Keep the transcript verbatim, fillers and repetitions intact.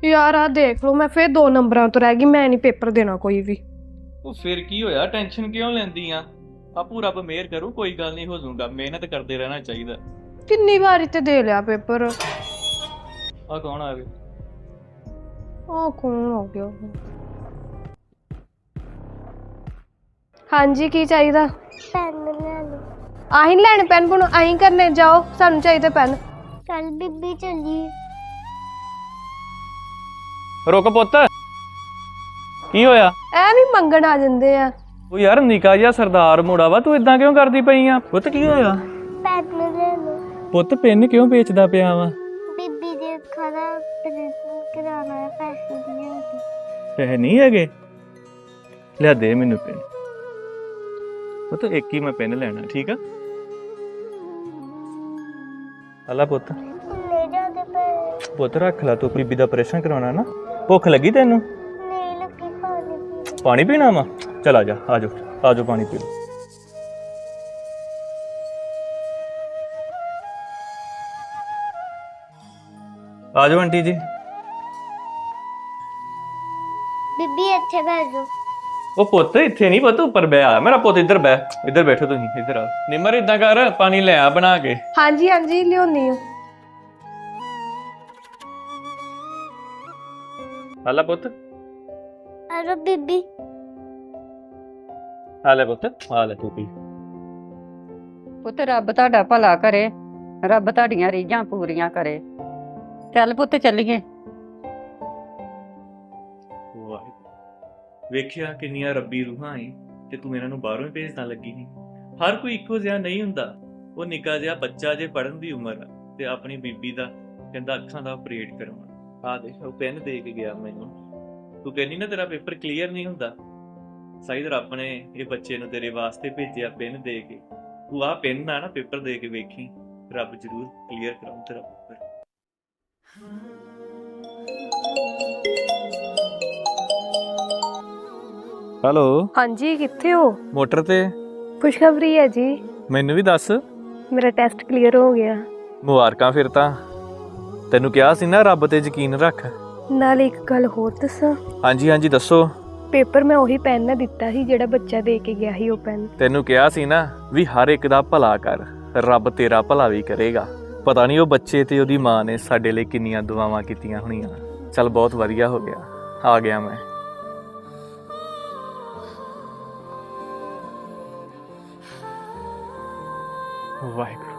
यार आ देख लो मैं फिर दो नंबरां तो रह गई। मैं नहीं पेपर देना कोई भी। ਉਹ ਫਿਰ ਕੀ ਹੋਇਆ, ਟੈਨਸ਼ਨ ਕਿਉਂ ਲੈਂਦੀ ਆ? ਆਪੂ ਰੱਬ ਮਿਹਰ ਕਰੂ, ਕੋਈ ਗੱਲ ਨਹੀਂ, ਹੋ ਜਾਊਗਾ। ਮਿਹਨਤ ਕਰਦੇ ਰਹਿਣਾ ਚਾਹੀਦਾ। किन्नी बारी ते दे लिया पेपर। ਆ ਕੌਣ ਆ ਗਏ? आ कौन हो गया? हाँ जी की चाहिए? ਪੈਨ ਲੈ ਲਓ। आही नहीं लैने पेन पुन आही करने जाओ, सानू चाहिए पेन। ਕੱਲ ਬੀਬੀ ਚੱਲੀ। ਰੁਕ ਪੁੱਤ, ਕੀ ਹੋਇਆ? ਐ ਵੀ ਮੰਗਣ ਆ ਜਾਂਦੇ ਆ। ਉਹ ਯਾਰ ਨਿੱਕਾ ਜਿਹਾ ਸਰਦਾਰ ਮੁੰਡਾ ਵਾ, ਤੂੰ ਇਦਾਂ ਕਿਉਂ ਕਰਦੀ ਪਈ ਆ? ਪੁੱਤ ਕੀ ਹੋਇਆ? ਪੈਨ ਲੈ ਲਓ। ਪੁੱਤ ਪੈਨ ਕਿਉਂ ਵੇਚਦਾ ਪਿਆ ਵਾ? ਬੀਬੀ ਦੇ ਅੱਖਾਂ ਦਾ ਆਪਰੇਸ਼ਨ ਕਰਾਉਣਾ ਹੈ, ਪੈਸੇ ਨਹੀਂ ਹੈਗੇ। ਪੈਸੇ ਨਹੀਂ ਹੈਗੇ? ਲਿਆ ਦੇ ਮੈਨੂੰ ਪੈਨ। ਪੁੱਤ ਇੱਕ ਹੀ ਮੈਂ ਪੈਨ ਲੈਣਾ, ਠੀਕ ਆ? ਅੱਲਾ ਪੁੱਤ, ਲੈ ਜਾ ਦੇ ਪੈਸੇ। ਪੁੱਤ ਰੱਖ ਲੈ, ਤੂੰ ਬੀਬੀ ਦਾ ਆਪਰੇਸ਼ਨ ਕਰਾਉਣਾ ਨਾ। ਭੁੱਖ ਲੱਗੀ ਤੈਨੂੰ? ਨਹੀਂ ਲੱਗੀ, ਪਾਣੀ ਪੀ ਲਓ। ਪਾਣੀ ਪੀਣਾ ਵਾ? ਚਲ ਆ ਜਾ, ਆ ਜਾ, ਆ ਜਾ, ਪਾਣੀ ਪੀ ਲਓ। ਆ ਜਾਓ ਆਂਟੀ ਜੀ। ਬੀਬੀ ਇੱਥੇ ਬਹਿ ਜਾਓ। ਉਹ ਪੁੱਤ ਇੱਥੇ ਨਹੀਂ, ਪੁੱਤ ਉੱਪਰ ਬਹਿ ਆ। ਮੇਰਾ ਪੁੱਤ ਇੱਧਰ ਬਹਿ, ਇੱਧਰ ਬੈਠੋ ਤੁਸੀਂ, ਇੱਧਰ ਆ। ਨਿਮਰ ਇਦਾਂ ਕਰ, ਪਾਣੀ ਲੈ ਆ ਬਣਾ ਕੇ। हाँ जी हाँ जी लियोनी हूँ। ਆ ਲੈ ਪੁੱਤ, ਅਰੇ ਬੀਬੀ ਆ ਲੈ ਪੁੱਤ, ਆ ਲੈ ਤੂੰ ਪੀ। ਪੁੱਤ ਰੱਬ ਤੁਹਾਡਾ ਭਲਾ ਕਰੇ, ਰੱਬ ਤੁਹਾਡੀਆਂ ਰੀਝਾਂ ਪੂਰੀਆਂ ਕਰੇ। ਚੱਲ ਪੁੱਤ ਚੱਲੀਏ। ਵੇਖਿਆ ਕਿੰਨੀਆਂ ਰੱਬੀ ਰੂਹਾਂ ਏ, ਤੇ ਤੂੰ ਇਹਨਾਂ ਨੂੰ ਬਾਹਰੋਂ ਹੀ ਭੇਜਣ ਲੱਗੀ ਨਹੀਂ। ਹਰ ਕੋਈ ਇੱਕੋ ਜਿਹਾ ਨਹੀਂ ਹੁੰਦਾ। ਉਹ ਨਿੱਕਾ ਜਿਹਾ ਬੱਚਾ ਜੇ ਪੜਨ ਦੀ ਉਮਰ ਆ, ਤੇ ਆਪਣੀ ਬੀਬੀ ਦਾ ਕਹਿੰਦਾ ਅੱਖਾਂ ਦਾ ਆਪਰੇਟ ਕਰਵਾਉਣਾ। ਆ ਦੇਖ, ਉਹ ਪੈਨ ਦੇ ਕੇ ਗਿਆ ਮੈਨੂੰ। ਤੂੰ ਕਹਿੰਦੀ ਨਾ ਤੇਰਾ ਪੇਪਰ ਕਲੀਅਰ ਨਹੀਂ ਹੁੰਦਾ, ਸ਼ਾਇਦ ਰੱਬ ਨੇ ਇਹ ਬੱਚੇ ਨੂੰ ਤੇਰੇ ਵਾਸਤੇ ਭੇਜਿਆ ਪੈਨ ਦੇ ਕੇ। ਤੂੰ ਆਹ ਪੈਨ ਨਾਲ ਨਾ ਪੇਪਰ ਦੇ ਕੇ ਵੇਖੀ, ਰੱਬ ਜ਼ਰੂਰ ਕਲੀਅਰ ਕਰਾਉਂ ਤੇਰਾ ਪੇਪਰ। ਹੈਲੋ हाँ जी किथे हो? ਮੋਟਰ ਤੇ। खुशखबरी है जी, ਮੈਨੂੰ ਵੀ ਦੱਸ। मेरा टेस्ट क्लियर हो गया। ਮੁਬਾਰਕਾਂ ਫਿਰ ਤਾਂ। ਤੈਨੂੰ ਕਿਹਾ ਸੀ ਨਾ ਰੱਬ ਤੇ ਯਕੀਨ ਰੱਖ। नाल एक गल होर दसां। ਹਾਂਜੀ ਹਾਂਜੀ ਦੱਸੋ। पेपर मैं ਉਹੀ ਪੈਨ ਨਾਲ ਦਿੱਤਾ ਸੀ ਜਿਹੜਾ ਬੱਚਾ ਦੇ ਕੇ ਗਿਆ ਸੀ। ਉਹ ਪੈਨ ਤੈਨੂੰ ਕਿਹਾ ਸੀ ਨਾ ਵੀ ਹਰ ਇੱਕ ਦਾ ਭਲਾ ਕਰ, ਰੱਬ ਤੇਰਾ ਭਲਾ ਵੀ ਕਰੇਗਾ। ਪਤਾ ਨਹੀਂ ਉਹ ਬੱਚੇ ਤੇ ਉਹਦੀ ਮਾਂ ਨੇ ਸਾਡੇ ਲਈ ਕਿੰਨੀਆਂ ਦੁਆਵਾਂ ਕੀਤੀਆਂ ਹੋਣੀਆਂ। ਚੱਲ ਬਹੁਤ ਵਧੀਆ ਹੋ ਗਿਆ, ਆ ਗਿਆ ਮੈਂ। ਵਾਹਿਗੁਰੂ।